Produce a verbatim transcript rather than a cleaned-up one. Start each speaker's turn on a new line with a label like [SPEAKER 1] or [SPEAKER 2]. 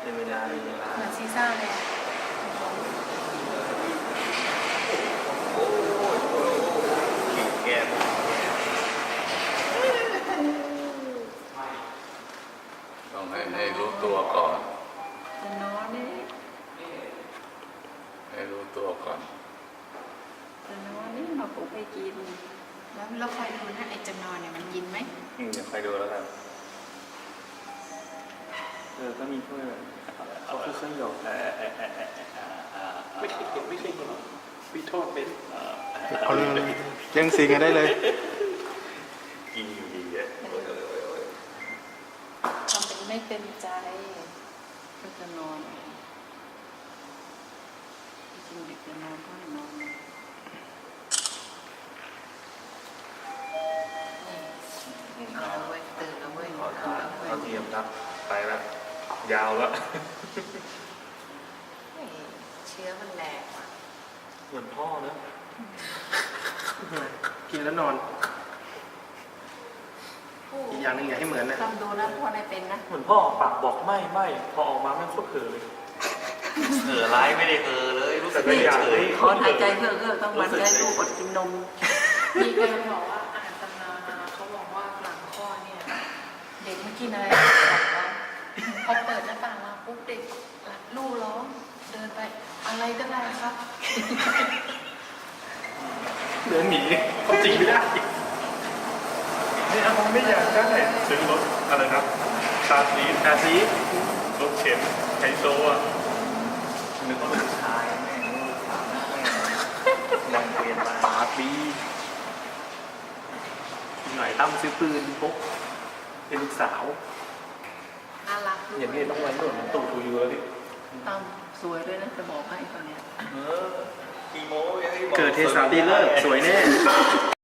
[SPEAKER 1] ในเวลาในเวลา
[SPEAKER 2] เหมือนซีซ่าเลย
[SPEAKER 1] แก้ม
[SPEAKER 3] ต้องให้ให้รู้ตัวก่อน
[SPEAKER 2] จะนอนนี่
[SPEAKER 3] ให้รู้ตัวก่อน
[SPEAKER 2] จะนอนนี่มาปลุกไปกินแล้วเราคอยดูนะไอ้จะนอนเนี่ยมันกินไหม
[SPEAKER 1] อืมเดี๋ยวคอยดูแล้วกันเออก็มีถ้วยแบบเขาคือเครื่องหยอกไม่เคยเห็นไม่เคยเห็นวิโทษเป็น
[SPEAKER 4] เอาเลยเลี้ยงสิงกันได้เลย
[SPEAKER 1] กินอยู่ดีอ่ะ
[SPEAKER 2] ทำเป็นไม่เต็มใจก็จะนอนจริงเด็กจะนอนก็ให้นอนเอาไว้ตื่นเอาไว้
[SPEAKER 1] ขอทานเขาเทียมครับไปแล้วยาวแล้ว
[SPEAKER 2] เชื้อมันแรงอ่ะ
[SPEAKER 1] เหมือนพ่อเนอะ
[SPEAKER 4] กินแล้วนอนอีกอย่างหนึ่งอย่าให้เหมือนนะ
[SPEAKER 2] ทำดูนะพ่อได้เป็นนะ
[SPEAKER 1] เหมือนพ่อปากบอกไม่ไม่พอออกมาไม่โคตรเผลอเลยเผลอร้ายไม่ได้เผลอเลยรู้สึกไม่อยากเลย
[SPEAKER 2] ขอหายใจเพื่อเพื่อต้องมันได้ลูกอดกินนมมีคนบอกว่าอ่านตำรามาเขาบอกว่าหลังคลอดเนี่ยเด็กไม่กินอะไรพอเปิดหน้าต่างมาปุ๊บเด็กลูกร้องเดินไปอะไรก็ได้ครับ
[SPEAKER 1] เดินหนีเขาจริงไม่ได้นี่อาผมไม่อยากได้ซื้อรถอะไรครับคาซีคาซีรถเข็นไฮโซอ่ะนึกว่าเป็นชายแม่ลูกสาวแม่นางเวียนมาบาร์บี้หน่อยตั้มซื้อปืนพกเป็นลูกสาว
[SPEAKER 2] น่ารัก
[SPEAKER 1] อย่างนี้ต้องไว้หนุนตู่ทูยูแล้วดิ
[SPEAKER 2] ตั้มสวยด้วยนะจะบอกให้ตอนเนี้ย
[SPEAKER 1] เออกีโม
[SPEAKER 4] เกิดเทสาตีเลิกสวยแน่